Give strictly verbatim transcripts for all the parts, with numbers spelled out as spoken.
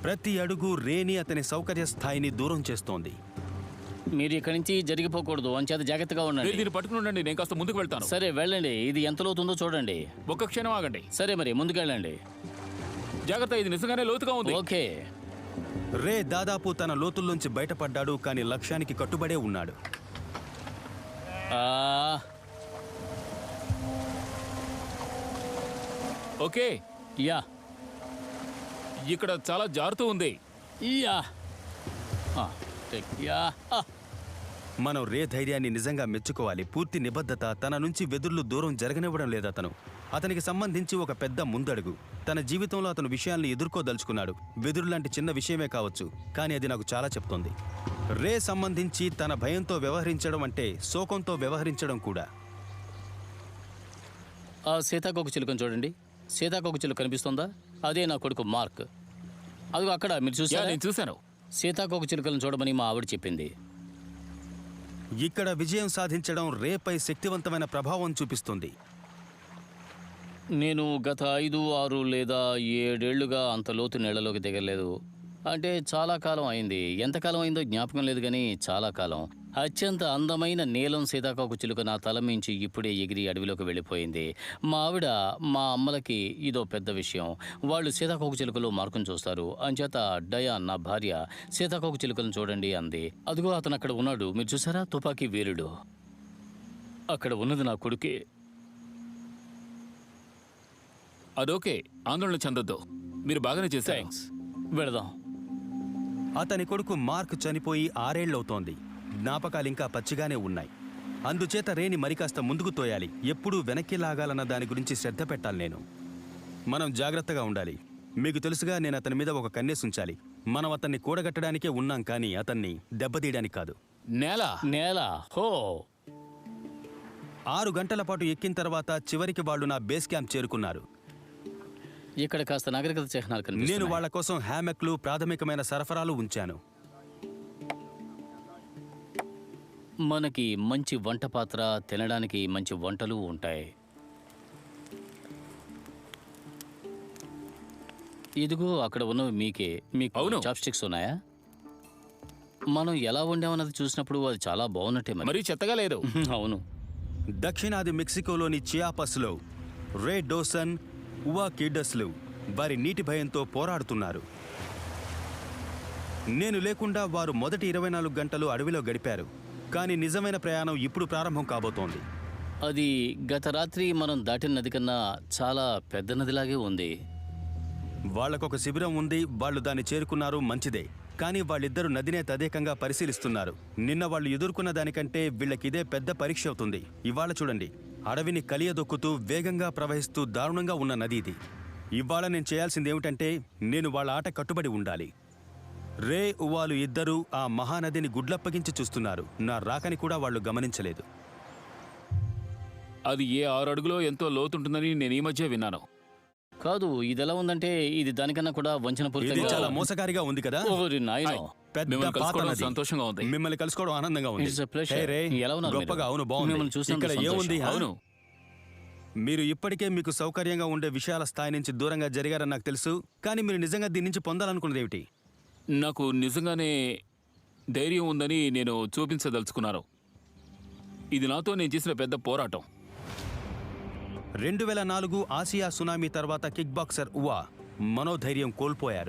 ప్రతి అడుగు రేని అతని సౌకర్య స్థాయిని దూరం చేస్తోంది. మీరు ఇక్కడి నుంచి జరిగిపోకూడదు, అంచేత జాగ్రత్తగా ఉండండి. దీన్ని పట్టుకుని ఉండండి, నేను కాస్త ముందుకు వెళ్తాను. సరే వెళ్ళండి, ఇది ఎంత లోతుందో చూడండి. ఒక్క క్షణం ఆగండి. సరే మరి ముందుకు వెళ్ళండి. జాగ్రత్త, ఇది నిజంగానే లోతుగా ఉంది. ఓకే. రే దాదాపు తన లోతుల్లోంచి బయటపడ్డాడు, కానీ లక్ష్యానికి కట్టుబడే ఉన్నాడు. ఓకే, యా ఇక్కడ చాలా జారుతూ ఉంది. యా యా మనం రే ధైర్యాన్ని నిజంగా మెచ్చుకోవాలి. పూర్తి నిబద్ధత, తన నుంచి వెదుర్లు దూరం జరగనివ్వడం లేదు. అతను అతనికి సంబంధించి ఒక పెద్ద ముందడుగు. తన జీవితంలో అతను విషయాల్ని ఎదుర్కోదలుచుకున్నాడు. వెదురు లాంటి చిన్న విషయమే కావచ్చు, కానీ అది నాకు చాలా చెప్తోంది. రే సంబంధించి తన భయంతో వ్యవహరించడం అంటే శోకంతో వ్యవహరించడం కూడా. ఆ సీతాకోక చిలుకను చూడండి. సీతాకోక చిలుక కనిపిస్తుందా? అదే నా కొడుకు మార్క్. అదిగో అక్కడ, మీరు చూసారా? నేను చూశాను. సీతాకోక చిలుకలను చూడమని మా ఆవిడ చెప్పింది. ఇక్కడ విజయం సాధించడం రేపై శక్తివంతమైన ప్రభావం చూపిస్తుంది. నేను గత ఐదు ఆరు లేదా ఏడేళ్లుగా అంత లోతు నీళ్లలోకి దిగలేదు. అంటే చాలా కాలం అయింది. ఎంతకాలం అయిందో జ్ఞాపకం లేదు, కానీ చాలా కాలం. అత్యంత అందమైన నీలం సీతాకోక చిలుక నా తల మించి ఇప్పుడే ఎగిరి అడవిలోకి వెళ్ళిపోయింది. మా ఆవిడ, మా అమ్మలకి ఇదో పెద్ద విషయం. వాళ్ళు సీతాకోక చిలుకలు మార్కును చూస్తారు. అంచేత డయాన్, నా భార్య, సీతాకోక చిలుకలను చూడండి అంది. అదిగో అతను అక్కడ ఉన్నాడు, మీరు చూసారా? తుపాకీ వీరుడు. అక్కడ ఉన్నది నా కొడుకే. అదోకే, ఆందోళన చెందొద్దు, మీరు బాగానే చేశారు. థ్యాంక్స్. వెళదాం. అతని కొడుకు మార్క్ చనిపోయి ఆరేళ్లవుతోంది. జ్ఞాపకాలు ఇంకా పచ్చిగానే ఉన్నాయి. అందుచేత రేని మరికాస్త ముందుకు తోయాలి. ఎప్పుడూ వెనక్కి లాగాలన్న దాని గురించి శ్రద్ధ పెట్టాలి. నేను మనం జాగ్రత్తగా ఉండాలి. మీకు తెలుసుగా, నేను అతని మీద ఒక కన్నేసి ఉంచాలి. మనం అతన్ని కూడగట్టడానికే ఉన్నాం, కానీ అతన్ని దెబ్బతీయడానికి కాదు. నేల నేల హో ఆరు గంటల పాటు ఎక్కిన తర్వాత చివరికి వాళ్ళు నా బేస్ క్యాంప్ చేరుకున్నారు. ఇక్కడ కాస్త నాగరికత చిహ్నాలు కనిపిస్తున్నాయి. నేను వాళ్ల కోసం హ్యామెక్లు, ప్రాథమికమైన సరఫరాలు ఉంచాను. మనకి మంచి వంట పాత్ర, తినడానికి మంచి వంటలు ఉంటాయి. ఇదిగో అక్కడ ఉన్నవి మీకే. మీకు చాప్ స్టిక్స్ ఉన్నాయా? మనం ఎలా వండామన్నది చూసినప్పుడు అది చాలా బాగున్నట్టే. మరి చెత్తగా లేదు. అవును. దక్షిణాది మెక్సికోలోని చియాపస్లో రే డోసన్, ఉవా కిడ్డస్లు వారి నీటి భయంతో పోరాడుతున్నారు. నేను లేకుండా వారు మొదటి ఇరవై నాలుగు గంటలు అడవిలో గడిపారు, కానీ నిజమైన ప్రయాణం ఇప్పుడు ప్రారంభం కాబోతోంది. అది గత రాత్రి మనం దాటిన నది కన్నా చాలా పెద్ద నదిలాగే ఉంది. వాళ్లకొక శిబిరం ఉంది, వాళ్ళు దాన్ని చేరుకున్నారు, మంచిదే. కానీ వాళ్ళిద్దరూ నదినే తదేకంగా పరిశీలిస్తున్నారు. నిన్న వాళ్ళు ఎదుర్కొన్న దానికంటే వీళ్ళకిదే పెద్ద పరీక్ష అవుతుంది. ఇవాళ చూడండి, అడవిని కలియదొక్కుతూ వేగంగా ప్రవహిస్తూ దారుణంగా ఉన్న నది ఇది. ఇవాళ నేను చేయాల్సింది ఏమిటంటే, నేను వాళ్ళ ఆట కట్టుబడి ఉండాలి. రే, ఉవాలు ఇద్దరూ ఆ మహానదిని గుడ్లప్పగించి చూస్తున్నారు. నా రాకని కూడా వాళ్ళు గమనించలేదు. అది ఏ ఆరు అడుగులో ఎంతో లోతుంటుందని నేను ఈ మధ్య విన్నాను. కాదు, ఇది ఎలా ఉందంటే ఇది దానికన్నా కూడా వంచన పూరితంగా, చాలా మోసగారిగా ఉంది కదా. సంతోషంగా ఉంది. మిమ్మల్ని కలుసుకోవడం ఆనందంగా ఉంది. గొప్పగా. అవును, బాగుంది. ఇక్కడ ఏముంది? అవును, మీరు ఇప్పటికే మీకు సౌకర్యంగా ఉండే విషయాల స్థాయి నుంచి దూరంగా జరిగారని నాకు తెలుసు, కానీ మీరు నిజంగా దీని నుంచి పొందాలనుకున్నది ఏమిటి? నాకు నిజంగానే ధైర్యం ఉందని నేను చూపించదలుచుకున్నాను. ఇది నాతో నేను చేసిన పెద్ద పోరాటం. రెండు వేల నాలుగు ఆసియా సునామీ తర్వాత కిక్ బాక్సర్ ఉవా మనోధైర్యం కోల్పోయారు.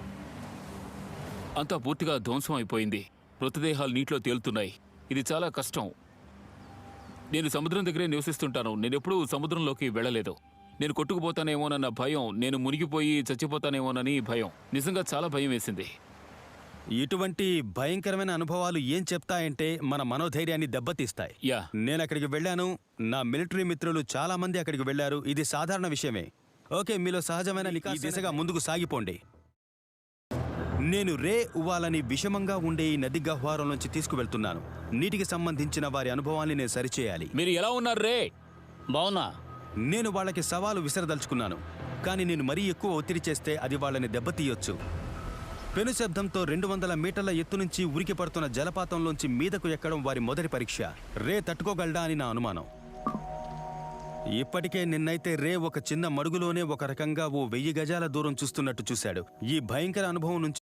అంతా పూర్తిగా ధ్వంసం అయిపోయింది. మృతదేహాలు నీటిలో తేలుతున్నాయి. ఇది చాలా కష్టం. నేను సముద్రం దగ్గరే నివసిస్తుంటాను. నేను ఎప్పుడూ సముద్రంలోకి వెళ్ళలేదు. నేను కొట్టుకుపోతానేమోనన్న భయం, నేను మునిగిపోయి చచ్చిపోతానేమోనని భయం. నిజంగా చాలా భయం వేసింది. ఇటువంటి భయంకరమైన అనుభవాలు ఏం చెప్తాయంటే మన మనోధైర్యాన్ని దెబ్బతీస్తాయి. యా, నేను అక్కడికి వెళ్ళాను. నా మిలిటరీ మిత్రులు చాలా మంది అక్కడికి వెళ్లారు. ఇది సాధారణ విషయమే. ఓకే, మీలో సహజమైన ఈ దిశగా ముందుకు సాగిపోండి. నేను రే ఉవాలని విషమంగా ఉండే ఈ నది గహ్వారం నుంచి తీసుకువెళ్తున్నాను. నీటికి సంబంధించిన వారి అనుభవాన్ని నేను సరిచేయాలి. మీరు ఎలా ఉన్నారు రే? బావునా? నేను వాళ్ళకి సవాలు విసరదలుచుకున్నాను, కానీ నేను మరీ ఎక్కువ ఒత్తిడి చేస్తే అది వాళ్ళని దెబ్బతీయొచ్చు. పెను శబ్దంతో రెండు వందల మీటర్ల ఎత్తు నుంచి ఉరికి పడుతున్న జలపాతంలోంచి మీదకు ఎక్కడం వారి మొదటి పరీక్ష. రే తట్టుకోగలడా అని నా అనుమానం. ఇప్పటికే నిన్నైతే రే ఒక చిన్న మడుగులోనే ఒక రకంగా ఓ వెయ్యి గజాల దూరం చూస్తున్నట్టు చూశాడు. ఈ భయంకర అనుభవం నుంచి